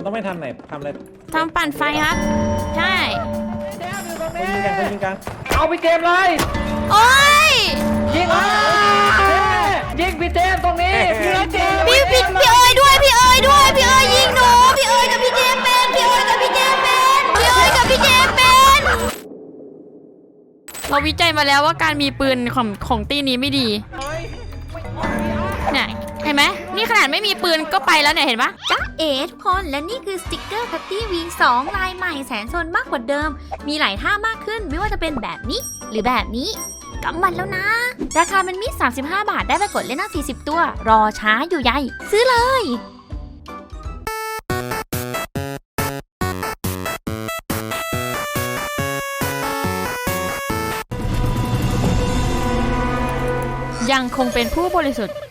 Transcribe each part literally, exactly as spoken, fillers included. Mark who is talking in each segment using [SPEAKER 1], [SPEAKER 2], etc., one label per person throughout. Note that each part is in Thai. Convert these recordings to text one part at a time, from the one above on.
[SPEAKER 1] มันต้องไม่ทำไหนทำอะไร
[SPEAKER 2] ทำปั่นไฟครับใช่
[SPEAKER 1] ยิงกันยิงกัน
[SPEAKER 3] เอาไปเกมเลย
[SPEAKER 2] โอ้ย
[SPEAKER 3] ยิงยิงพี่เจมตรงนี้พี่เจม
[SPEAKER 2] พี่พี่พี่เอ๋ยด้วยพี่เอ๋ยด้วยพี่เอ๋ยยิงหนูพี่เอ๋ยกับพี่เจมเป็นพี่เอ๋ยกับพี่เจมเป็นพี่เอ๋ยกับพี่เจมเป็นเราวิจัยมาแล้วว่าการมีปืนของของตีนี้ไม่ดีเนี่ยเห็นไหมนี่ขนาดไม่มีปืนก็ไปแล้วเนี่ยเห็นปะ
[SPEAKER 4] จ๊ะเอ๋ทุกคนและนี่คือสติกเกอร์พัตตี้วีสองลายใหม่แสนโซนมากกว่าเดิมมีหลายท่ามากขึ้นไม่ว่าจะเป็นแบบนี้หรือแบบนี้กำมันแล้วนะราคาเป็นมิตรสามสิบห้าบาทได้ไปกดเล่นหน้าสี่สิบตัวรอช้าอยู่ใหญ่ซื้อเลย
[SPEAKER 2] ยังคงเป็นผู้บริสุทธิ์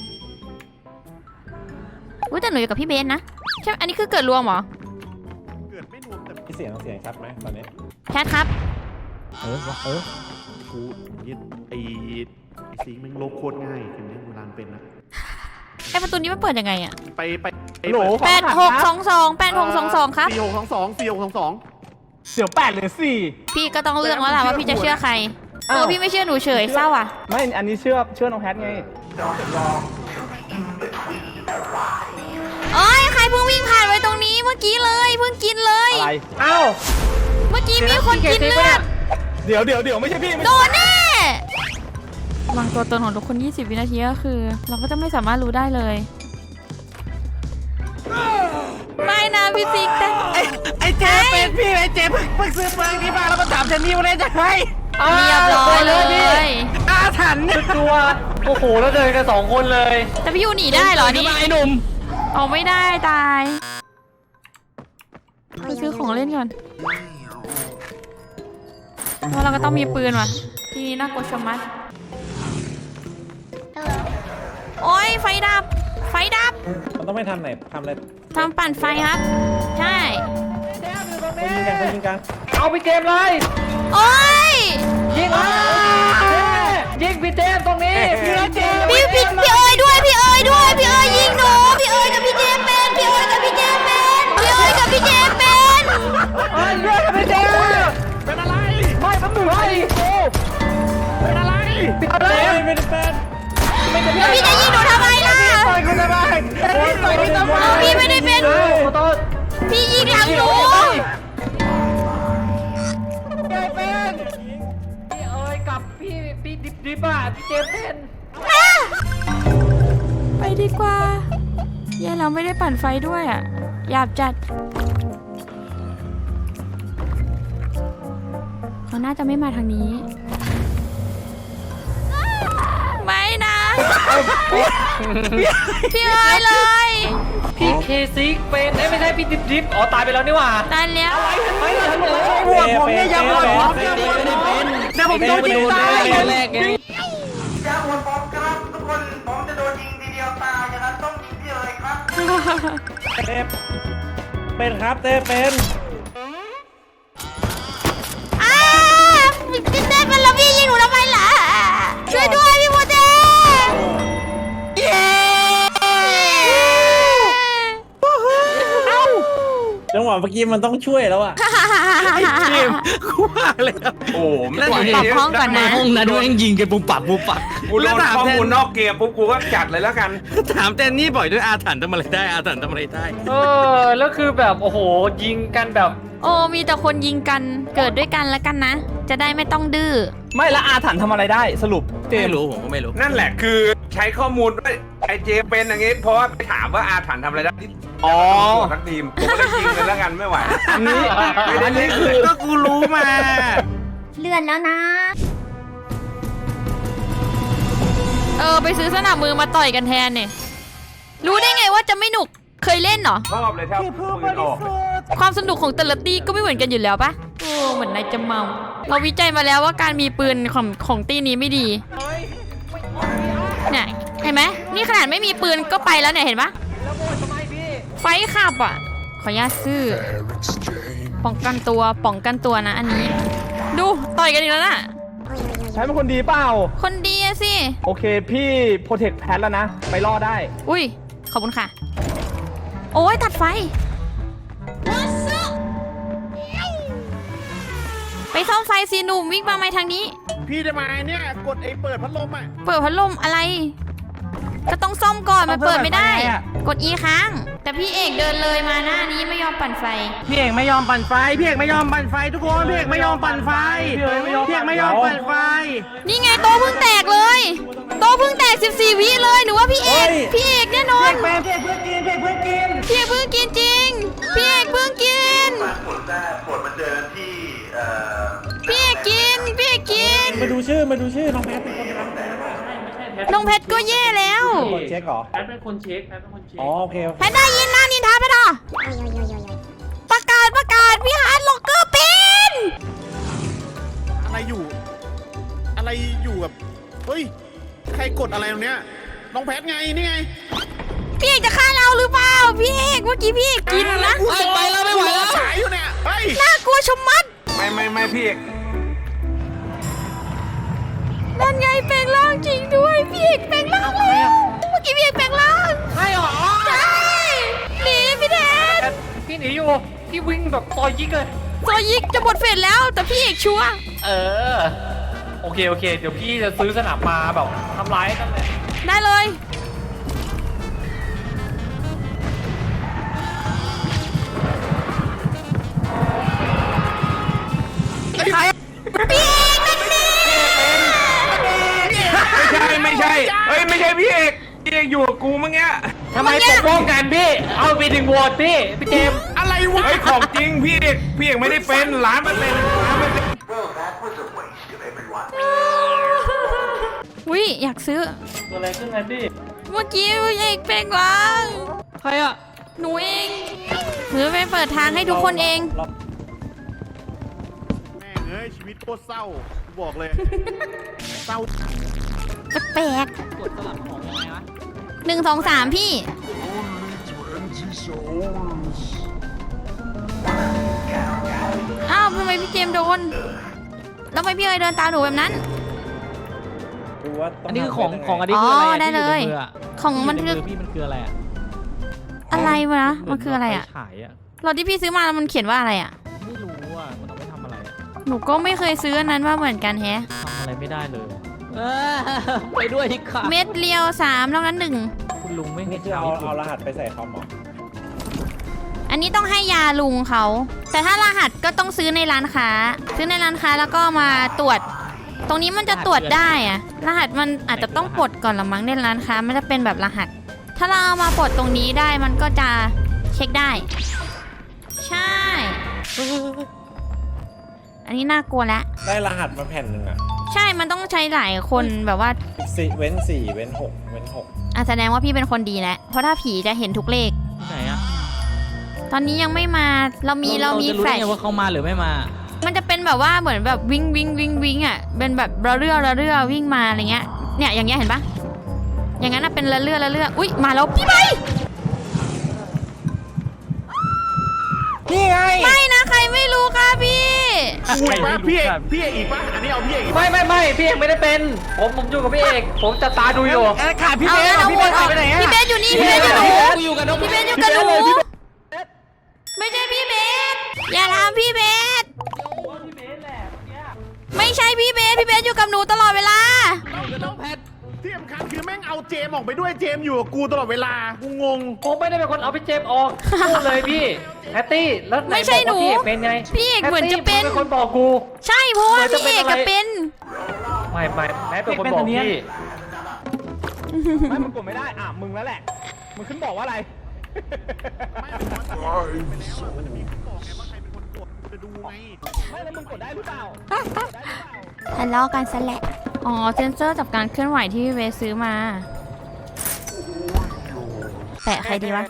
[SPEAKER 2] อุ้ยแต่หนูอยู่กับพี่เบนนะใช่อันนี้คือเกิดรวมเหรอ
[SPEAKER 1] เกิดไม่รวมแต่พี่เสียงเสียงชัดไหมตอนนี้
[SPEAKER 2] แคทครับ
[SPEAKER 1] เออเออ
[SPEAKER 5] กูยึดไอ้ไอ้สีมันลบโคตรง่ายเห็นไหมเวลาเป็นนะ
[SPEAKER 2] ไอประตูนี้มันเปิดยังไงอะ
[SPEAKER 5] ไปไป
[SPEAKER 1] โหล
[SPEAKER 2] แปดหกสองสองแปดหกสองสองครับ
[SPEAKER 5] สี่หกสองสองสี่หกสองสอง
[SPEAKER 1] เดี๋ยวแปดหรือสี่
[SPEAKER 2] พี่ก็ต้องเลือกแล้วล่ะว่าพี่จะเชื่อใครเออพี่ไม่เชื่อหนูเฉยเศร้าอ่ะ
[SPEAKER 1] ไม่อันนี้เชื่อเชื่อน้องแพทไง
[SPEAKER 2] โอ้ยใครเพิ่งวิ่งผ่านไว้ตรงนี้เมื่อกี้เลยเพิ่งกินเลย
[SPEAKER 1] อะไรเอ้า
[SPEAKER 2] เมื่อกี้มีคนกินเลือด
[SPEAKER 1] เดี๋ยวเดี๋ยวเดี๋ยวไม่ใช่พี่
[SPEAKER 2] โดนแน่วางตัวตนของทุกคนยี่สิบวินาทีก็คือเราก็จะไม่สามารถรู้ได้เลยไม่นะพี่ซิกแต่
[SPEAKER 3] ไอ้เจเป็นพี่ไอ้เจเพิ่งเพิ่งซื้อปืนที่บ้านแล้วก็ถามเจนนี่ว่าได้จะให้
[SPEAKER 2] เรียบร้อยเลย
[SPEAKER 3] อาถรรพ์เนี่ยตัวโอ้โหแล้วเดินกันสองคนเลย
[SPEAKER 2] แต่พี่ยูหนีได้เหรอนี่
[SPEAKER 3] ไอ้หนุ่ม
[SPEAKER 2] ออกไม่ได้ตายไปซื้อของเล่นก่อนเพราะเราก็ต้องมีปืนว่ะทีนี้น่ากลัวชะมัดโอ้ยไฟดับไฟดับ
[SPEAKER 1] มันต้องไม่ทำไหนทำอะไร
[SPEAKER 2] ทำปั่นไฟครับใช่
[SPEAKER 1] ยิงกันยิงกัน
[SPEAKER 3] เอาไปเกมเลย
[SPEAKER 2] โอ้ย
[SPEAKER 3] ยิงยิงพี่เจมตรงนี้พี่เจม
[SPEAKER 2] พี่พี่พี่เอ๋ยด้วยพี่เอ๋ยด้วยพี่เอ๋ยยิงหนูพี่เอ๋ยกับพี่เจมเป็นพี่เอ๋ยกับพี่เจมเป็นพี่เอ๋ยกับพี่เจมเป็น
[SPEAKER 3] เอ้ยเลือดกับพี่เจมเป็นอะไรไม่เป็นหนึ่งไอ้เป็นอะไรเป็นอะไร
[SPEAKER 1] ไม่ได้เป็น
[SPEAKER 2] แล้วพี่จะยิงหนูทำไมล่ะ
[SPEAKER 3] ต่อยคุณทำไมต่อยคุณทำไม
[SPEAKER 2] พี่ไม่ได้เป็นพี่ยิงหลังหนู
[SPEAKER 3] เจเป็นพี่เอ๋ยกับพี่พี่ดิบดิบอ่ะพี่เจเป็น
[SPEAKER 2] ไปดีกว่าเย่เราไม่ได้ปั่นไฟด้วยอ่ะหยาบจัดเขาน่าจะไม่มาทางนี้ไม่นะพี่เอ๋ยเลย
[SPEAKER 3] พี่เคซิกเป็นไม่ใช่พี่ดิบดิบอ๋อตายไปแล้วนี่หว่า
[SPEAKER 2] ตายแล้ว
[SPEAKER 3] ไม่ฉันเลยบวกผมเนี่ยยังบวกผมเนี่ยบวกผมแต่ผมโดนยิงตายแรกไง
[SPEAKER 6] อย่าอวดผมครับทุกคนผมจะโดนยิงทีเดียวตายนะครับต้องยิงพี่เลยครับ
[SPEAKER 1] เต้เป็นครับเต้เป็น
[SPEAKER 2] อ้าพี่เต้เป็นแล้วพี่ยิงหนูทำไมล่ะช่วยด้วยพี่โมเต้เย้
[SPEAKER 1] จังหวะเมื่อกี้มันต้องช่วยแล้วอ่ะ
[SPEAKER 3] เกมกูว่าเลยโอ้
[SPEAKER 2] ไม่ได้ปรับห้องก่อนนะ
[SPEAKER 3] ห้องนั้นด้วยยิงกันปุ๊บปับปุ๊บปับ
[SPEAKER 5] กูรู้ข้อมูลนอกเกมปุ๊บกูก็จัดเลยแล้วกัน
[SPEAKER 3] ถามแตนนี่บ่อยด้วยอาถรรพ์ทำอะไรได้อาถรรพ์ทำอะไรได้เออแล้วคือแบบโอ้โหยิงกันแบบ
[SPEAKER 2] โอ้มีแต่คนยิงกันเกิดด้วยกันแล้วกันนะจะได้ไม่ต้องดื้อ
[SPEAKER 1] ไม่ละอาถรรพ์ทำอะไรได้สรุป
[SPEAKER 3] ไม่รู้ผมก็ไม่รู้
[SPEAKER 5] นั่นแหละคือใช้ข้อมูลว่าไอเจเป็นอย่างงี้เพราะว่าไปถามว่าอาถรรพ์ทำอะไรได้อ๋อทั้งทีมผมก็เลยยิงกันแล้วกันไม่ไหว
[SPEAKER 1] อันนี้
[SPEAKER 5] อันนี้คือ
[SPEAKER 3] ก็กูรู้มา
[SPEAKER 4] เลื่อนแล้วนะ
[SPEAKER 2] เออไปซื้อสนับมือมาต่อยกันแทนเนี่ยรู้ได้ไงว่าจะไม่หนุกเคยเล่นเหรอ
[SPEAKER 5] ชอบเลยครับ
[SPEAKER 2] ความสนุกของแต่ละตีก็ไม่เหมือนกันอยู่แล้วปะโอ้เหมือนนายจะเมาเราวิจัยมาแล้วว่าการมีปืนของของตีนี้ไม่ดีเนี่ยเห็นไหมนี่ขนาดไม่มีปืนก็ไปแล้วเนี่ยเห็นปะไฟขับอ่ะขออนุญาตซื้อป้องกันตัวป้องกันตัวนะอันนี้ดูต่อยกันอีกแล้วน่ะ
[SPEAKER 1] ใช้เป็นคนดีเปล่า
[SPEAKER 2] คนดีสิ
[SPEAKER 1] โอเคพี่โปรเทคแพทแล้วนะไปรอดได้
[SPEAKER 2] อุ้ยขอบคุณค่ะโอ้ยตัดไฟไปซ่อมไฟสิหนุ่มวิ่งมาไหมทางนี้
[SPEAKER 3] พี่จะมาเนี่ยกดไอ้เปิดพัดลมอ่ะ
[SPEAKER 2] เปิดพัดลมอะไร ก็ต้องซ่อมก่อนมันเปิดไม่ได้ กด E ค้าง แต่พี่เอกเดินเลยมาหน้านี้ไม่ยอมปั่นไฟ
[SPEAKER 1] พี่เอกไม่ยอมปั่นไฟพี่เอกไม่ยอมปั่นไฟทุกคนพี่เอกไม่ยอมปั่นไฟพี่เอกไม่ยอมพี่เอกไม่ยอมปั่นไฟ
[SPEAKER 2] นี่ไงโต๊ะเพิ่งแตกเลยโต๊ะเพิ่งแตกสิบสี่วิเลยหนูว่าพี่เอกพี่เอกแน่นอน
[SPEAKER 1] เป็นพี่เอกเพื่อกินพี่เอกเพื่อกิน
[SPEAKER 2] พี่เอกเพิ่งกินจริงพี่เอกเพิ่งกิน
[SPEAKER 6] ผลได้ผลมาเจอที่เอ่อ
[SPEAKER 2] พี่เอกกินพี่เอกกิน
[SPEAKER 1] มาดูชื่อมาดูชื่อน้องแพทเป็นคนทำ
[SPEAKER 2] น้องเพชรก็แย่แล้ว
[SPEAKER 1] คนเช็คเหรอ
[SPEAKER 7] แพทเป็นคนเช็คแพทเป็นคนเช็ค
[SPEAKER 1] อ๋อโอเคโอเค
[SPEAKER 2] แพทได้ยินนะนินทาไปหรอประกาศประกาศพี่ฮาร์ดล็อกเกอร์เป็น
[SPEAKER 3] อะไรอยู่ อะไรอยู่แบบเฮ้ยใครกดอะไรตรงเนี้ยน้องแพทไงนี่ไง
[SPEAKER 2] พี่เอกจะฆ่าเราหรือเปล่าพี่เอกเมื่อกี้พี่เอกกินนะ
[SPEAKER 3] ไปแล้วไม่ไหวแล้วฉายอยู่เนี่ยเฮ้ย
[SPEAKER 2] น่ากลัวชะมัด
[SPEAKER 5] ไม่ไม่ไม่พี่เอก
[SPEAKER 2] นั่นไงแปลงร่างจริงด้วยพี่เอกแปลงร่างแล้วเมื่อกี้พี่เอกแปลงร่าง
[SPEAKER 7] ใช่หรอ
[SPEAKER 2] ใช่หนีพี่แทน
[SPEAKER 7] พี่หนีอยู่พี่วิ่งแบบต่อยยิกเลย
[SPEAKER 2] โซยิกจะหมดเฟสแล้วแต่พี่เอกชัวร์
[SPEAKER 7] เออโอเคโอเคเดี๋ยวพี่จะซื้อสนามมาแบบทำร้ายนั่นแหละ
[SPEAKER 2] ได้เลยพี่เอกนั่นนี่
[SPEAKER 5] ไม่ใช่ไม่ใช่เฮ้ยไม่ใช่พี่เอกพี่เอกอยู่กับกูเมื่อกี้
[SPEAKER 7] ทำไมปกป้องกันพี่เอาไปถึงโหวตพี่พี่เจมส์
[SPEAKER 3] อะไรวะ
[SPEAKER 5] เฮ้ยของจริงพี่เอกพี่เอกไม่ได้เป็นล้านเปอร์เซ็นต์ล้านเปอร์เซ็นต์
[SPEAKER 6] Well, that was a waste of everyone.
[SPEAKER 2] วิอยากซื้อ
[SPEAKER 7] ตัวอะไรขึ้นไงพี่
[SPEAKER 2] เมื่อกี้พี่เอกแปลงร่าง
[SPEAKER 7] ใครอ่ะ
[SPEAKER 2] หนูเองหนูจะไปเปิดทางให้ทุกคนเอง
[SPEAKER 3] แม่งเอ้ยชีวิตโคตรเศร้ากูบอกเลยเศร้า
[SPEAKER 2] แปลก
[SPEAKER 7] กดสลับของยังไงวะ
[SPEAKER 2] หนึ่งสองสามพี่ อ้าวทำไมพี่เจมส์โดน แล้วทำไมพี่เอ๋ยเดินตามหนูแบบนั้น
[SPEAKER 1] ดูว่าต้
[SPEAKER 7] อันนี้คือของ
[SPEAKER 1] ทำยัไ
[SPEAKER 7] ของอันนี้คืออะไร
[SPEAKER 2] อ๋อ
[SPEAKER 7] อะ
[SPEAKER 2] ได้เลย
[SPEAKER 7] ที่อในมืออะ
[SPEAKER 2] ของมัน
[SPEAKER 7] ที่
[SPEAKER 2] คื
[SPEAKER 7] ยู่
[SPEAKER 2] อ
[SPEAKER 7] ในมืพี่มันคืออะไรอ่ะ
[SPEAKER 2] อะไรวะ มันคืออะไรอ่ะ
[SPEAKER 7] ไฟฉายอ่ะ
[SPEAKER 2] รถที่พี่ซื้อมาแล้วมันเขียนว่าอะไรอ่ะ
[SPEAKER 7] ไม่รู้อ่ะมันเอาไปทำอะไรอะ
[SPEAKER 2] หนูก็ไม่เคยซื้ออันนั้นว่าเหมือนกันแฮะ
[SPEAKER 7] ทำอะไรไม่ได้เลยเออไปด้วยที่ขา
[SPEAKER 2] เม็ดเรียวสามแล้วนั้นหนึ่ง
[SPEAKER 7] คุณลุงไม่
[SPEAKER 1] นี่
[SPEAKER 7] เห็น
[SPEAKER 1] คือเอาเอารหัสไปใส่คอมเหรอ
[SPEAKER 2] อันนี้ต้องให้ยาลุงเขา แต่ถ้ารหัสก็ต้องซื้อในร้านค้า ซื้อในร้านค้าแล้วก็มาตรวจ ตรงนี้มันจะตรวจได้อะรหัสมันอาจจะต้องปลดก่อนละมั้งในร้านค้ามันจะเป็นแบบรหัส ถ้าเราเอามาปลดตรงนี้ได้มันก็จะเช็คได้ ใช่ อันนี้น่ากลัวแล้ว
[SPEAKER 1] ได้รหัสมาแผ่นหนึ่งอ่ะ
[SPEAKER 2] ใช่ มันต้องใช้หลายคนแบบว่า
[SPEAKER 1] สี่เว้นสี่เว้นหกเว้นหก
[SPEAKER 2] อ่ะแสดงว่าพี่เป็นคนดีแล้ว เพราะถ้าผีจะเห็นทุกเลข
[SPEAKER 7] ที่ไหนอ่ะ
[SPEAKER 2] ตอนนี้ยังไม่มา เรามีเรามี
[SPEAKER 7] จะรู้
[SPEAKER 2] แฟล
[SPEAKER 7] ได้
[SPEAKER 2] ช
[SPEAKER 7] ไงว่าเขามาหรือไม่มา
[SPEAKER 2] มันจะเป็นแบบว่าเหมือนแบบวิ่งวิ่งวิ่งวิ่งอ่ะ เป็นแบบระเรื่อระเรื่อวิ่งมาอะไรเงี้ย เนี่ยอย่างเงี้ยเห็นปะอย่างนั้นน่ะเป็นระเรื่อระเรื่ออุ้ยมาแล้วพี่ไป
[SPEAKER 1] นี่ไง
[SPEAKER 2] ไม่นะใครไม่รู้ค่ะพี่
[SPEAKER 3] อุ้ยป่ะพี่เอกพี่เอกอีกป่ะอันนี้เอาพี่เอกอีก
[SPEAKER 7] ไม่ไม่ไม่พี่เอกไม่ได้เป็น ผมผมอยู่กับพี่เอกผมจะตาดูอยู่
[SPEAKER 1] เอ้ยขาดพี่
[SPEAKER 2] เอา
[SPEAKER 1] เบส
[SPEAKER 2] งั้นเอา
[SPEAKER 1] พี่
[SPEAKER 2] โห
[SPEAKER 1] เบ
[SPEAKER 2] วต
[SPEAKER 1] ส
[SPEAKER 2] ออ
[SPEAKER 1] หาก ยไปไหนอะ
[SPEAKER 2] พี่เบสอยู่นี่พี่เบสอยู่หนู
[SPEAKER 7] กูอยู่กับน้อง
[SPEAKER 2] พี่เบสอยู่กับหนูไม่ใช่พี่เบสอย่าทำพี่เบสไม่ใช่พี่เบสพี่เบสอยู่กับหนูตลอดเวลา
[SPEAKER 3] เอากับน้องแพทที่สำคัญคือแม่งเอาเจมออกไปด้วยเจมอยู่กับกูตลอดเวลากูงง
[SPEAKER 7] ผมไม่ได้เป็นคนเอาพี่เจมส์ออกพูดเลยพี่แพตตี้แล้วไหน
[SPEAKER 2] ไม่ใช่
[SPEAKER 7] บอกว่า
[SPEAKER 2] หนู
[SPEAKER 7] พี่เอกเป็นไง
[SPEAKER 2] พี่เอกเหมือนจะเป็น
[SPEAKER 7] แพตตี้เป็นคนบอกกู
[SPEAKER 2] ใช่เพราะว่า
[SPEAKER 7] เหมือนจะ
[SPEAKER 2] พี่เอก
[SPEAKER 7] เป็น
[SPEAKER 2] กับ
[SPEAKER 7] อะไร
[SPEAKER 2] เป็น
[SPEAKER 7] ไม่ไม่แพทเป็นคนบอกพี่
[SPEAKER 1] ไม่มึงกดไม่ได้อ่ะมึงแล้วแหละมึงขึ้นบอกว่าอะไร
[SPEAKER 3] ไม่มันย้อนกลับไปแล้วอะมันจะมีคนบอกไงว่าใครเป็นคนกดจะดูไง
[SPEAKER 1] ไม่แล้วมึงกดได้หรือเปล่า
[SPEAKER 2] ทะเลาะกันซะแหละ อ๋อ เซนเซอร์จับการเคลื่อนไหวที่พี่เบสซื้อมา แปะใครดีวะ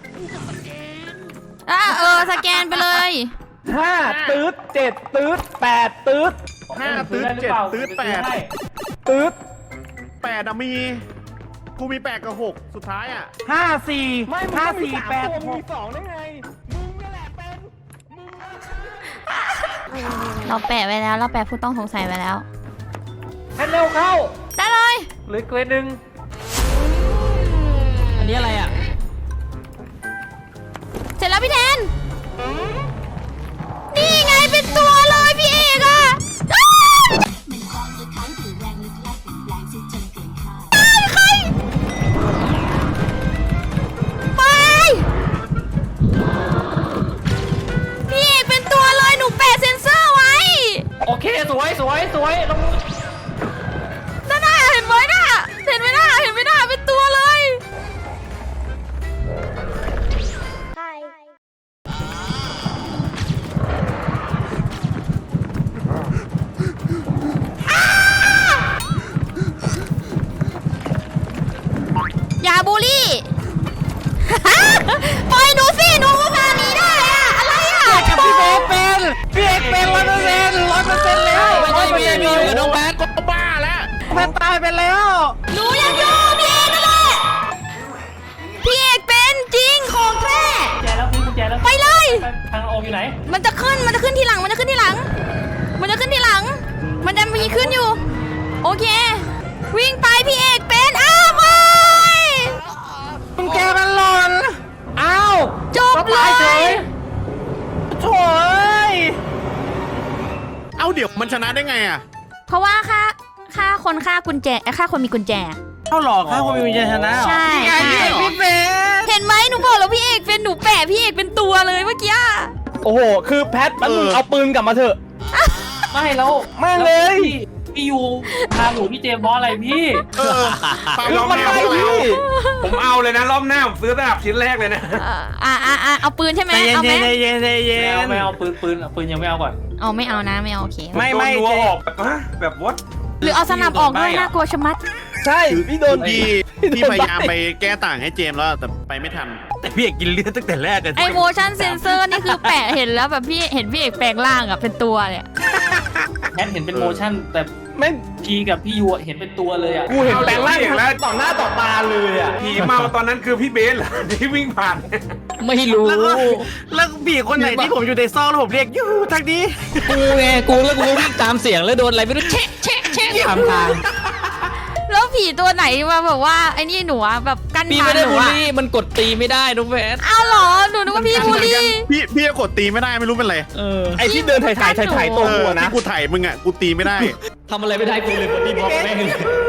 [SPEAKER 2] อ่ะเออ สแกนไปเลย
[SPEAKER 1] ห้าตืดเจ็ดตืดแปดตืด
[SPEAKER 3] ห้าตื้อเจ็ดตื้อแปด
[SPEAKER 1] ตืด
[SPEAKER 3] แปดอะมีกูมีแปดกับหกสุดท้ายอะ
[SPEAKER 1] ห้าสี่ห้าสี่แปดหกสองได้ไงมึงนี่แหละเป็น
[SPEAKER 2] เราแปะไว้แล้ว เราแปะผู้ต้องสงสัยไว้แล้ว
[SPEAKER 7] แพทเร็วเข้า
[SPEAKER 2] ได้เลย
[SPEAKER 7] เหลือเกรดหนึ่งอันนี้อะไรอ่ะ
[SPEAKER 2] เสร็จแล้วพี่แทนนี่ไงเป็นตัวเลยพี่เอกอะอ้าวใครไปพี่เอกเป็นตัวเลยหนูแปะเซ็นเซอร์ไว้
[SPEAKER 7] โอเคสวยสวยสวยลง
[SPEAKER 2] นั่นน่ะเห็นไหมน่ะเห็นไหมน่ะเห็นไหมน่ะเป็นตัวเลยอย่าบูลลี่ ปล่อยหนูสิหนูก็พาหนีได้อะอะไรอะ
[SPEAKER 1] กับพี่เบสเป็นพี่เอกเป็นร้อยเปอร์เซ็นต์ร้อยเปอร์เซ็นต์แล้วไม่ใช่พี่มีอยู่กับน้องแพทก็บ้าแล้วแพทตายไปแล้ว
[SPEAKER 2] หนูยังอยู่พี่เอกนั่นแหละพี่เอกเป็นจริงของแท้
[SPEAKER 7] แจแล้วพี่กุญแจแล้ว
[SPEAKER 2] ไปเลย
[SPEAKER 7] ทางออกอยู่ไหน
[SPEAKER 2] มันจะขึ้นมันจะขึ้นทีหลังมันจะขึ้นทีหลัง มันจะขึ้นทีหลัง มันจะมีขึ้นอยู่ โอเค วิ่งไปพี่เอกเป็นอ้าวไป
[SPEAKER 1] กุญแจมันหล่นอ้าว
[SPEAKER 2] จบเลย
[SPEAKER 1] โถ่เอ้ย
[SPEAKER 3] เอาเดี๋ยวมันชนะได้ไงอ่ะ
[SPEAKER 2] เพราะว่าค่าค่าคนค่ากุญแจเอ้ยค่าคนมีกุญแจ
[SPEAKER 1] เข้าหลอกค่ะคนมีกุญแจชนะเหรอ
[SPEAKER 2] ใช่
[SPEAKER 1] นี่ไงพี่เอกพี่เบส
[SPEAKER 2] เห็นไหมหนูบอกแล้วพี่เอกเป็นหนูแปะพี่เอกเป็นตัวเลยเมื่อกี้
[SPEAKER 1] โอ้โหคือแพทมัน
[SPEAKER 3] เออ
[SPEAKER 1] เอาปืนกลับมาเถอะ
[SPEAKER 7] ไม่แล้ว
[SPEAKER 1] ไม่เลย
[SPEAKER 7] พี่พี่ยูพาหนูพี่เจมส์บอสอะไรพี่
[SPEAKER 3] เออเปล่า
[SPEAKER 1] คือ
[SPEAKER 3] เรา
[SPEAKER 1] มัน
[SPEAKER 3] ไม่
[SPEAKER 1] ไป
[SPEAKER 3] เอาแล้ว
[SPEAKER 1] พี่
[SPEAKER 5] ผมเอาเลยนะรอบหน้าผมซื้อสนับชิ้นแรกเลยนะ
[SPEAKER 2] เอ่ออ่าอ่าอ่าเอาปืนใช่ไหม
[SPEAKER 1] ใจเย็น
[SPEAKER 2] เอาไหม
[SPEAKER 1] ใจเย็นใจเย็
[SPEAKER 7] ไม่เอา
[SPEAKER 1] น
[SPEAKER 7] ไม่เอาปืนปืนเอาปืนยังไม่เอาก่อน
[SPEAKER 2] เอาไม่เอานะไม่เอาโอเค
[SPEAKER 1] ไม่ไม่
[SPEAKER 5] โดนนัว
[SPEAKER 1] เจ
[SPEAKER 5] ออกแบบฮะแบบวัด
[SPEAKER 2] หรือเอาสนับออกด้วยน่ากลัวชะมัด
[SPEAKER 1] ใช่พี่โดน
[SPEAKER 3] พี่
[SPEAKER 1] พี่
[SPEAKER 3] พี่พยายามไปแก้ต่างให้เจมส์แล้วแต่ไปไม่ทัน
[SPEAKER 1] แต่พี่เอกกินเลือดตั้งแต่แรกเลย
[SPEAKER 2] ไอ motion sensor นี่คือแปะเห็นแล้วแบบพี่เห็นพี่เอกแปลงร่างอะเป็นตัวเลยอะ
[SPEAKER 7] แพทเห็นเป็นโมชั่นแต่
[SPEAKER 1] ไม่
[SPEAKER 7] พีกับพี่ยูอะเห็นเป็นตัวเลยอ่ะ
[SPEAKER 1] กูเห็นแปลงร่างต่อหน้าต่อตาเลยอ่ะ
[SPEAKER 5] ผีเมาตอนนั้นคือพี่เบสเหรอที่วิ่งผ่าน
[SPEAKER 8] ไม่รู้
[SPEAKER 1] แล้วก็แล้วผีคนไหนที่ผมอยู่ในซอกแล้วผมเรียกยูทางนี้
[SPEAKER 8] กูไงกูแล้วกูก็วิ่งตามเสียงแล้วโดนอะไรไม่รู้เช็คเช็คเช็คตามทาง
[SPEAKER 2] แล้วผีตัวไหนมาแบบว่าไอ้นี่หนูอะแบบกั้น
[SPEAKER 8] พี่
[SPEAKER 2] ทาง
[SPEAKER 8] ไม่ได้
[SPEAKER 2] หนู
[SPEAKER 8] บูล
[SPEAKER 2] อะ
[SPEAKER 8] ลี่มันกดตีไม่ได้น้องแพท
[SPEAKER 2] เอาเหรอหนูนึกว่าพี่บูลลี่
[SPEAKER 3] พี่พี่ก็กดตีไม่ได้ไม่รู้เป็นไร
[SPEAKER 8] เออ
[SPEAKER 1] ไอ้ที่เดินถ่ายถ่ายถ่ายถ่ายตัว
[SPEAKER 3] เอ
[SPEAKER 1] หั
[SPEAKER 3] อ
[SPEAKER 1] วนะ
[SPEAKER 3] ที่กูถ่ายมึงอ่ะกูตีไม่ได้
[SPEAKER 8] ทำอะไรไม่ได้กูเลยบอดี้บล็อกแม่งเลย